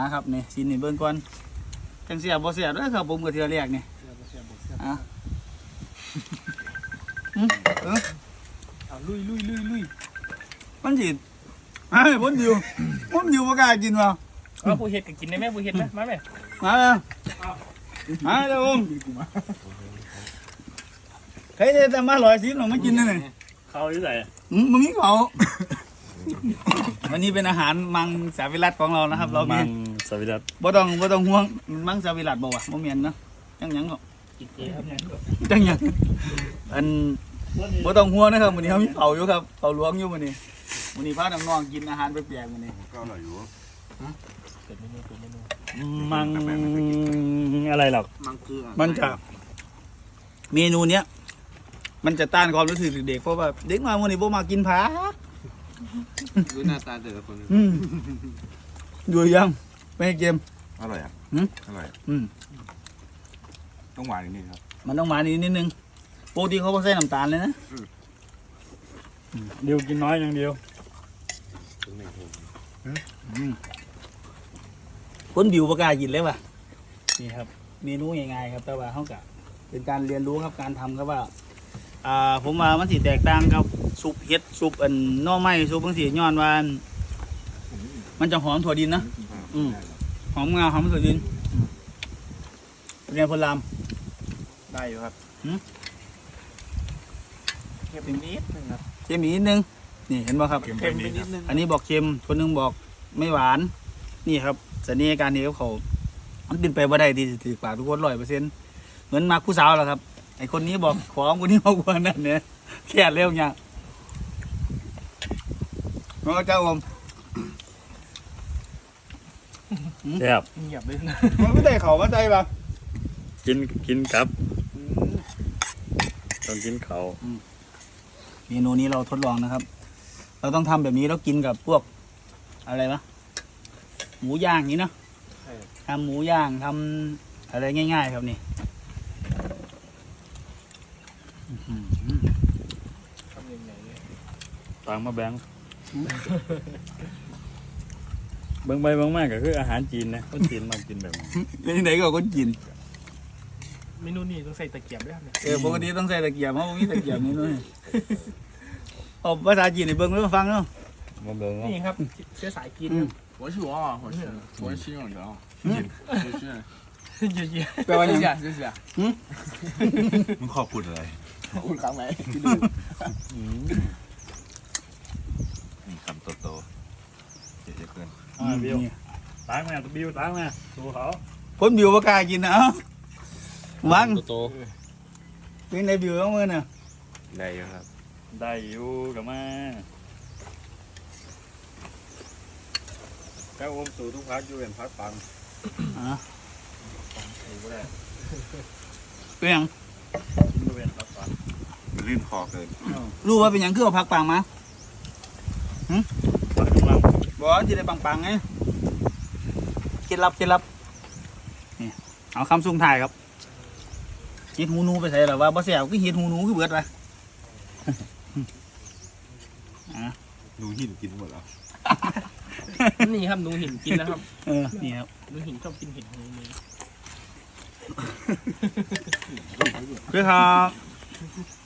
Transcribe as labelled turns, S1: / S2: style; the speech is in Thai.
S1: นะครับนี่ชิ้นนี่เบิ่งก่อนจังเสียบ่เสียด้วยครับผมกับเทือแรกนี่อ่ะ
S2: เอาลุย
S1: มันสิไอ้ผมอยู่บ่กล้ากินว่ะ
S2: เอาผู้เห็ดก็กินได้ไหมผู้เห็ดไหมมาไหม
S1: มาเลยมาเด้อผมใครจะมา110หรอมากินนั่นนี่
S2: เขาอยู่ไหน
S1: มึงมีเขาวันนี้เป็นอาหารมังสวิรัติของเรานะครับ เรามี
S2: มังสวิรัติ
S1: บ่ต้องห่วงมังสวิรัติบ่วะบ่แม่นเนาะจังหยังเนาะ
S2: กินเจครับเนี่ย
S1: จังหยังอันบ่ต้องห่วงนะครับวันนี้เขามีเขาอยู่ครับเขาหลวงอยู่วันนี้พาน้องๆกินอาหารแปลกๆวันนี้
S3: ก็อร่อยอยู่
S2: เป็นเมนู
S4: มังอะไรหรอก
S3: มันคือ
S1: มันจะเมนูเนี้ยมันจะต้านความรู้สึกเด็กเพราะว่าเด็กมาวันนี้บ่มากินผัก
S3: ดูหน้าตาแต่ละคน
S1: อยู่ยังไม่ให้เกม
S3: อร่อยอ่ะอร่อย ต้องหวานนิดนึงครับ
S1: มันต้องมานิดนึงปกติเขาบ่ใส่น้ำตาลเลยนะ
S4: เดียวกินน้อยอย่างเดียว
S1: คนบิวประกล้ากินเลยว่ะนี่ครับ เมนูง่ายๆครับแต่ว่าเขากะเป็นการเรียนรู้ครับการทำครับว่าผมว่ามันสิแตกต่างกับซุปเห็ดซุปหน่อไม้ซุปบางสีย้อนว่ามันจะหอมถั่วดินนะหอมงาหอมถั่วดินเรียนพลาม
S3: ได้อยู่ครับ
S2: เค็มนิดนึงครับ
S1: เค็มอีกนิดนึงนี่เห็นป่ะครับ
S2: เค็มไปนิดนึง
S1: อันนี้บอกเค็มคนนึงบอกไม่หวานนี่ครับสัญญาการนี้เขามันเป็นไปบ่ได้ที่ถือปากทุกคน100%เหมือนมาคู่สาวแหละครับไอคนนี้บอกของคนนี้บอกว่านั่นเนี่ยแค่เร็วเนี่ยน้องเจ้าผม
S4: แซ่บ
S2: เงียบเลยนะ
S1: มันไม่ได้เขาว่าใจป่ะ
S4: กินครับต้องกินเขา
S1: เมนูนี้เราทดลองนะครับ เราต้องทำแบบนี้แล้วกินกับพวกอะไรวะหมูย่างนี้เนาะทำหมูย่างทำอะไรง่ายๆครับนี่
S2: ทำยังไงเนี่ย
S4: ตามมาแบงเบิ่งไปเบิ่งมากก็คืออาหารจีนนะคนจีนมากินแบบนี้
S1: เป็นยังไงก็คนกิน
S2: เมนูนี้ต้องใส่ตะเกียบด้วยครับเนี่ย
S1: ปกติต้องใส่ตะเกียบเพราะว่ามีตะเกียบนี่ด้วยเอาภาษาจีนในเบิ้งแล้วฟังเนาะ
S4: มาเบิ่งเนาะ
S2: นี่ครับเชื้อสายจีน
S3: 我是我，我是新人啊，是
S2: เยอะ
S1: แปลว่า
S3: 谢
S1: ยัง
S3: 谢谢谢。มึงขอบคุณอะไร
S2: ๆขอบคุณครั้งไหน
S3: นี่คำโตๆเจ๊เพื่อน
S4: บิวล้างมาบิวล้างมาดูเขา
S1: คนบิวประกล้ากินนะเอ้าวัง
S3: โต
S1: เป็นในบิวต้องมือน่ะ
S3: ๆได้อยู่ครับ
S4: ได้อยู่กับมาแก้วอมสู่ทุกพักอยู่เป็นพักปัง
S2: ถือว่าได้
S1: เป็นหยัง
S4: กินอยู่เป็นพักปัง
S3: มันลื่นคอเกิน
S1: รู้ว่าเป็นหยังคือเอาผักปังมา
S4: ปักกำลัง
S1: บอกว่าที่ได้ปังๆไงเคล็ดลับนี่เอาคำสุ่งถ่ายครับเฮ็ดหูหนูไปใส่หรอว่าบ่แซ่บก็เฮ็ดหูหนูคือเบิดวะ
S3: หนูหินกินหมดแล้ว
S2: นี่ครับหนูหินกินนะครับ
S1: นี่ครับ
S2: หนูหินชอบกินเห็ดหูนี่
S1: เพื่อครับ